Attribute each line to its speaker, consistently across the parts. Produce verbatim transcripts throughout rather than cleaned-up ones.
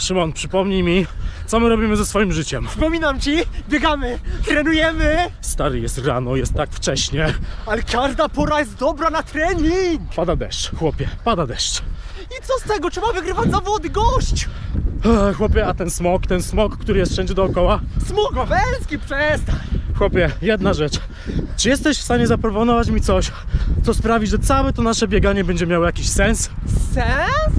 Speaker 1: Szymon, przypomnij mi, co my robimy ze swoim życiem.
Speaker 2: Przypominam ci, biegamy, trenujemy,
Speaker 1: Stary, jest rano, jest tak wcześnie.
Speaker 2: ale każda pora jest dobra na trening.
Speaker 1: Pada deszcz, chłopie, pada deszcz.
Speaker 2: I co z tego, trzeba wygrywać zawody, gość.
Speaker 1: Ech, chłopie, a ten smog, ten smog, który jest wszędzie dookoła.
Speaker 2: Smugowelski, przestań.
Speaker 1: Chłopie, jedna rzecz. Czy jesteś w stanie zaproponować mi coś, co sprawi, że całe to nasze bieganie będzie miało jakiś sens?
Speaker 2: Sens?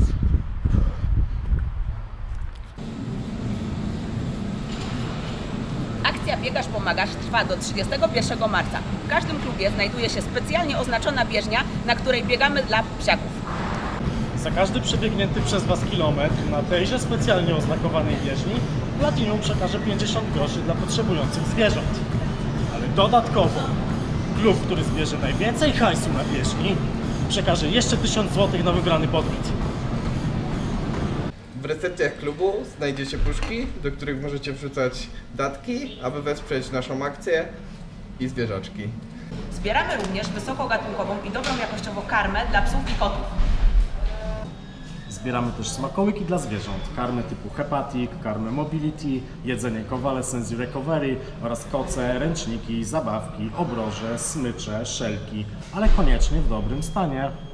Speaker 3: Akcja Biegasz Pomagasz trwa do trzydziestego pierwszego marca. W każdym klubie znajduje się specjalnie oznaczona bieżnia, na której biegamy dla psiaków.
Speaker 1: Za każdy przebiegnięty przez Was kilometr na tejże specjalnie oznakowanej bieżni Platinum przekaże pięćdziesiąt groszy dla potrzebujących zwierząt. Ale dodatkowo klub, który zbierze najwięcej hajsu na bieżni, przekaże jeszcze tysiąc złotych na wybrany podmiot.
Speaker 4: W recepcjach klubu znajdziecie puszki, do których możecie wrzucać datki, aby wesprzeć naszą akcję i zwierzaczki.
Speaker 3: Zbieramy również wysokogatunkową i dobrą jakościowo karmę dla psów i kotów.
Speaker 1: Zbieramy też smakołyki dla zwierząt, karmy typu Hepatic, karmę Mobility, jedzenie Convalescence i Recovery oraz koce, ręczniki, zabawki, obroże, smycze, szelki, ale koniecznie w dobrym stanie.